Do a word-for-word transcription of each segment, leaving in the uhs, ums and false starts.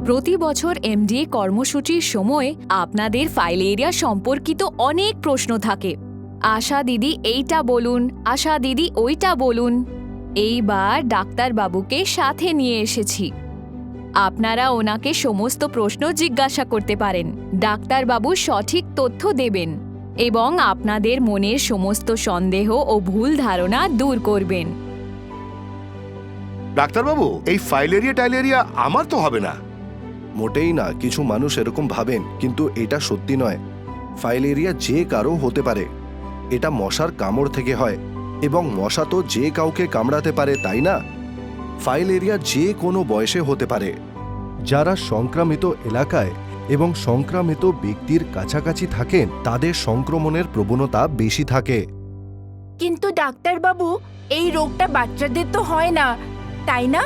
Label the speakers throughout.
Speaker 1: প্রতি বছর এমডিএ কর্মসূচির সময় আপনাদের ফাইলেরিয়া সম্পর্কিত অনেক প্রশ্ন থাকে। আশা দিদি এইটা বলুন, আশা দিদি ওইটা বলুন। এইবার ডাক্তারবাবুকে সাথে নিয়ে এসেছি। আপনারা ওনাকে সমস্ত প্রশ্ন জিজ্ঞাসা করতে পারেন। ডাক্তারবাবু সঠিক তথ্য দেবেন এবং আপনাদের মনের সমস্ত সন্দেহ ও ভুল ধারণা দূর করবেন।
Speaker 2: ডাক্তারবাবু, এই ফাইলেরিয়া টাইলেরিয়া আমার তো হবে না।
Speaker 3: মোটেই না, কিছু মানুষ এরকম ভাবেন, কিন্তু এটা সত্যি নয়। ফাইলেরিয়া যে কারো হতে পারে। এটা মশার কামড় থেকে হয়, এবং মশা তো যে কাউকে কামড়াতে পারে, তাই না? ফাইলেরিয়া যে কোনো বয়সে হতে পারে। যারা সংক্রামিত এলাকায় এবং সংক্রামিত ব্যক্তির কাছাকাছি থাকেন তাদের সংক্রমণের প্রবণতা বেশি থাকে।
Speaker 4: কিন্তু ডাক্তারবাবু, এই রোগটা বাচ্চাদের তো হয় না, তাই না?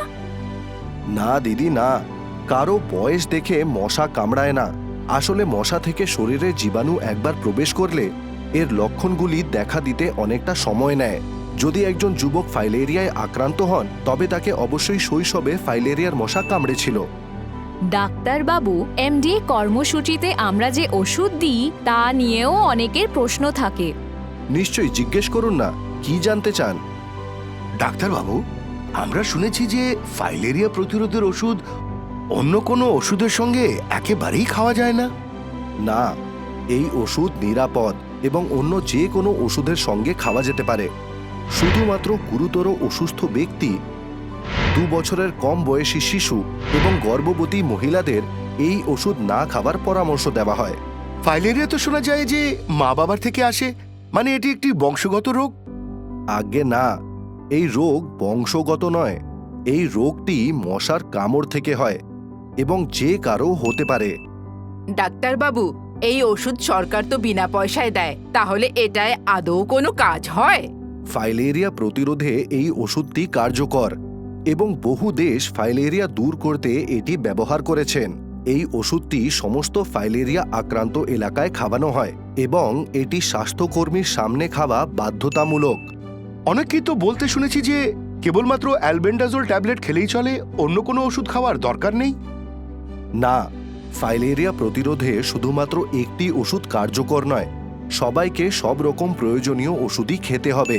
Speaker 3: না দিদি, না। কারো বয়স দেখে মশা কামড়ায় না। আসলে মশা থেকে শরীরে জীবাণু একবার প্রবেশ করলে এর লক্ষণগুলি দেখা দিতে অনেকটা সময় নেয়। যদি একজন যুবক ফাইলেরিয়ায় আক্রান্ত হন, তবে তাকে অবশ্যই শৈশবে ফাইলেরিয়ার মশা কামড়েছিল।
Speaker 1: ডাক্তারবাবু, এমডিএ কর্মসূচিতে আমরা যে ওষুধ দিই তা নিয়েও অনেকের প্রশ্ন থাকে।
Speaker 3: নিশ্চয়ই, জিজ্ঞেস করুন না, কি জানতে চান?
Speaker 2: ডাক্তারবাবু, আমরা শুনেছি যে ফাইলেরিয়া প্রতিরোধের ওষুধ অন্য কোনো ওষুধের সঙ্গে একেবারেই খাওয়া যায় না।
Speaker 3: না, এই ওষুধ নিরাপদ এবং অন্য যে কোনো ওষুধের সঙ্গে খাওয়া যেতে পারে। শুধুমাত্র গুরুতর অসুস্থ ব্যক্তি, দু বছরের কম বয়সী শিশু এবং গর্ভবতী মহিলাদের এই ওষুধ না খাবার পরামর্শ দেওয়া হয়।
Speaker 2: ফাইলেরিয়া তো শোনা যায় যে মা বাবার থেকে আসে, মানে এটি একটি বংশগত রোগ।
Speaker 3: আজ্ঞে না, এই রোগ বংশগত নয়। এই রোগটি মশার কামড় থেকে হয় এবং যে কারো হতে পারে।
Speaker 4: ডাক্তারবাবু, এই ওষুধ সরকার তো বিনা পয়সায় দেয়, তাহলে এটায় আদৌ কোনো কাজ হয়?
Speaker 3: ফাইলেরিয়া প্রতিরোধে এই ওষুধটি কার্যকর এবং বহু দেশ ফাইলেরিয়া দূর করতে এটি ব্যবহার করেছেন। এই ওষুধটি সমস্ত ফাইলেরিয়া আক্রান্ত এলাকায় খাওয়ানো হয় এবং এটি স্বাস্থ্যকর্মীর সামনে খাওয়া বাধ্যতামূলক।
Speaker 2: অনেকেই তো বলতে শুনেছি যে কেবলমাত্র অ্যালবেন্ডাজোল ট্যাবলেট খেলেই চলে, অন্য কোনো ওষুধ খাওয়ার দরকার নেই।
Speaker 3: না, ফাইলেরিয়া প্রতিরোধে শুধুমাত্র একটি ওষুধ কার্যকর নয়। সবাইকে সব রকম প্রয়োজনীয় ওষুধই খেতে হবে।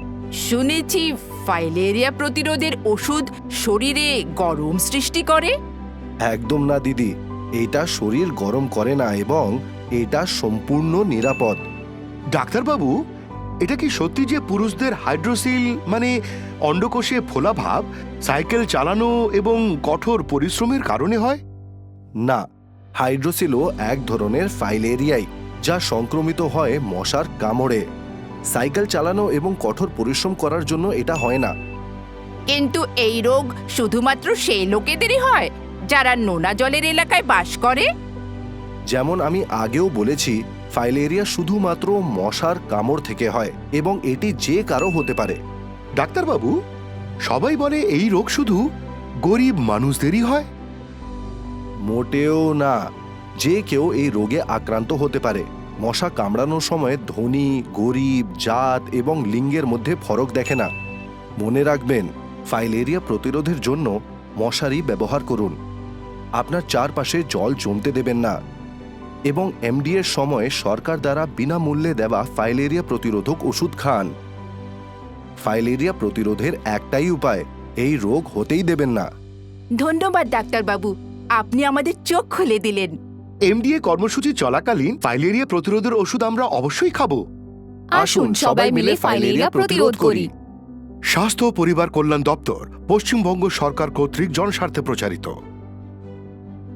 Speaker 4: শুনেছি ফাইলেরিয়া প্রতিরোধের ওষুধ শরীরে গরম সৃষ্টি করে।
Speaker 3: একদম না দিদি, এটা শরীর গরম করে না এবং এটা সম্পূর্ণ নিরাপদ।
Speaker 2: ডাক্তারবাবু, এটা কি সত্যি যে পুরুষদের হাইড্রোসিল মানে অন্ডকোষে ফোলা ভাব সাইকেল চালানো এবং কঠোর পরিশ্রমের কারণে হয়?
Speaker 3: না, হাইড্রোসিলও এক ধরনের ফাইলেরিয়াই, যা সংক্রমিত হয় মশার কামড়ে। সাইকেল চালানো এবং কঠোর পরিশ্রম করার জন্য এটা হয় না।
Speaker 4: কিন্তু এই রোগ শুধুমাত্র সেই লোকেদেরই হয় যারা নোনা জলের এলাকায় বাস করে।
Speaker 3: যেমন আমি আগেও বলেছি, ফাইলেরিয়া শুধুমাত্র মশার কামড় থেকে হয় এবং এটি যে কারো হতে পারে।
Speaker 2: ডাক্তারবাবু, সবাই বলে এই রোগ শুধু গরিব মানুষদেরই হয়।
Speaker 3: মোটেও না, যে কেউ এই রোগে আক্রান্ত হতে পারে। মশা কামড়ানোর সময় ধনী, গরিব, জাত এবং লিঙ্গের মধ্যে ফরক দেখে না। মনে রাখবেন, ফাইলেরিয়া প্রতিরোধের জন্য মশারি ব্যবহার করুন। আপনার চারপাশে জল জমতে দেবেন না এবং এমডিএর সময় সরকার দ্বারা বিনামূল্যে দেওয়া ফাইলেরিয়া প্রতিরোধক ওষুধ খান। ফাইলেরিয়া প্রতিরোধের একটাই উপায়, এই রোগ হতেই দেবেন না।
Speaker 4: ধন্যবাদ ডাক্তারবাবু, আপনি আমাদের চোখ খুলে দিলেন।
Speaker 2: এমডিএ কর্মসূচি চলাকালীন ফাইলেরিয়া প্রতিরোধের ওষুধ আমরা অবশ্যই খাবো।
Speaker 1: আসুন সবাই মিলে ফাইলেরিয়া প্রতিরোধ করি।
Speaker 2: স্বাস্থ্য ও পরিবার কল্যাণ দপ্তর, পশ্চিমবঙ্গ সরকার কর্তৃক জনস্বার্থে প্রচারিত।